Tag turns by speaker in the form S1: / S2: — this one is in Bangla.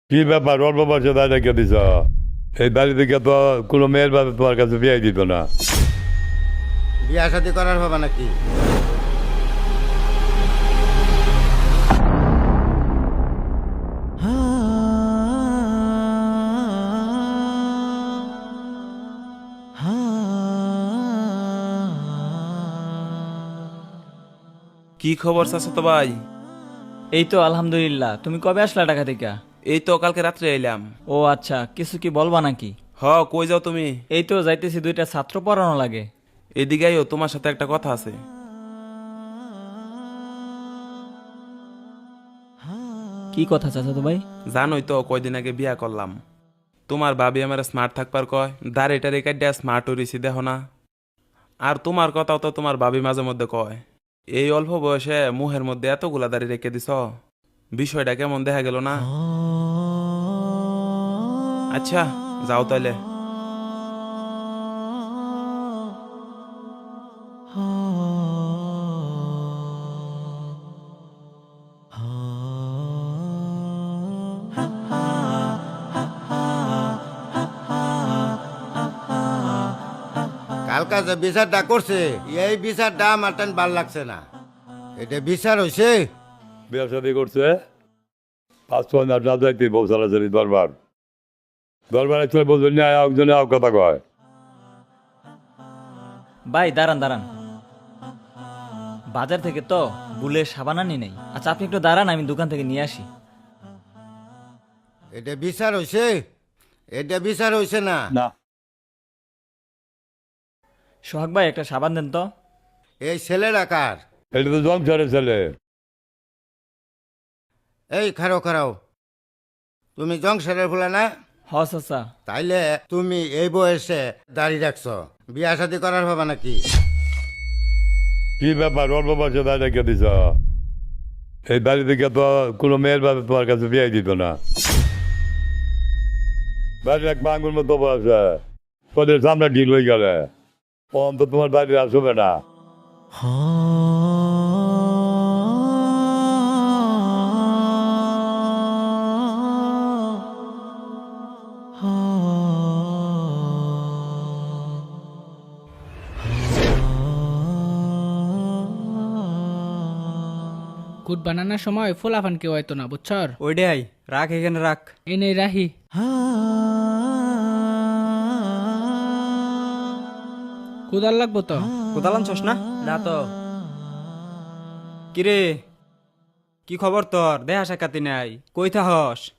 S1: কি ব্যাপার অল্প বয়সে দায় রেখে দিছ? এই বাড়ি থেকে তো কোনো মেয়ের বাবা তোমার কাছে বিয়ে দিত না।
S2: বিয়া শাদি করার হবে নাকি?
S3: কি খবর চাচা তো ভাই?
S4: এই তো আলহামদুলিল্লাহ। তুমি কবে আসলা ঢাকা থেকে?
S3: এই তো কালকে রাত্রে এলাম।
S4: ও আচ্ছা, কিছু কি বলবা নাকি?
S3: কই যাও তুমি?
S4: এই তো যাইতেছি, দুইটা ছাত্র পড়ানো লাগে।
S3: এদিকে আইও, তোমার সাথে একটা কথা আছে।
S4: কি কথা চাচা তো ভাই?
S3: জানোই তো কয়দিন আগে বিয়া করলাম। তোমার ভাবি আমার স্মার্ট থাকবার কয়, দাঁড়িটা রেখে দেয়া স্মার্ট হরিছি দেখো না। আর তোমার কথাও তো তোমার ভাবি মাঝে মধ্যে কয়। এই অল্প বয়সে মুহের মধ্যে এতগুলা দাড়ি রেখে দিছ, বিষয়টা কেমন দেখা গেল না? আচ্ছা যাও তাইলে।
S2: কালকা যে বিচারটা করছে এই বিচারটা আমার টান ভাল লাগছে না। এটা বিচার হইছে?
S1: বিয়ে শাদি করছে 5-6 না যাইতে বউ সারাসারি দরবারে চলে বলবেন না একজনে কথা কয়।
S4: ভাই দাঁড়ান দাঁড়ান, বাজার থেকে তো বুলের সাবান আনি নাই। আচ্ছা আপনি একটু দাঁড়ান, আমি দোকান থেকে নিয়ে আসি।
S2: এটা বিচার হইছে? এটা বিচার হইছে না।
S1: না
S4: সোহাগ ভাই একটা সাবান দেন তো।
S2: এই ছেলেরা কার?
S1: এটা তো জংশনের ছেলে।
S2: এই খারাও খারাও, তুমি জংশনের ফুলা না?
S4: হ চাচা।
S2: তাইলে তুমি এই বয়সে দাঁড়িয়ে রাখছ, বিয়া শাদি করার হবে নাকি?
S1: কি ব্যাপার অল্প বয়সে দায় রেখে দিছ? এই বাড়ি থেকে তো কোনো মেয়ের বাবা তোমার কাছে বিয়ে দিত না। বাড়ির এক বাঙ্গুর মতো বয়সে তোদের সামনে ঢিল হয়ে গেলে তো তোমার বাড়ি আসবে না।
S5: কুট বানানোর সময় ফোলাফান কেউ হয়তো না, বুঝছর?
S4: ওইটাই রাখ, এখানে রাখ।
S5: এনে রাহি। কুদাল লাগবো তো?
S4: কোথাও আনছস না? না তো। কিরে, কি খবর তোর? দেহা সাক্ষাতি নাই, কই থাহস?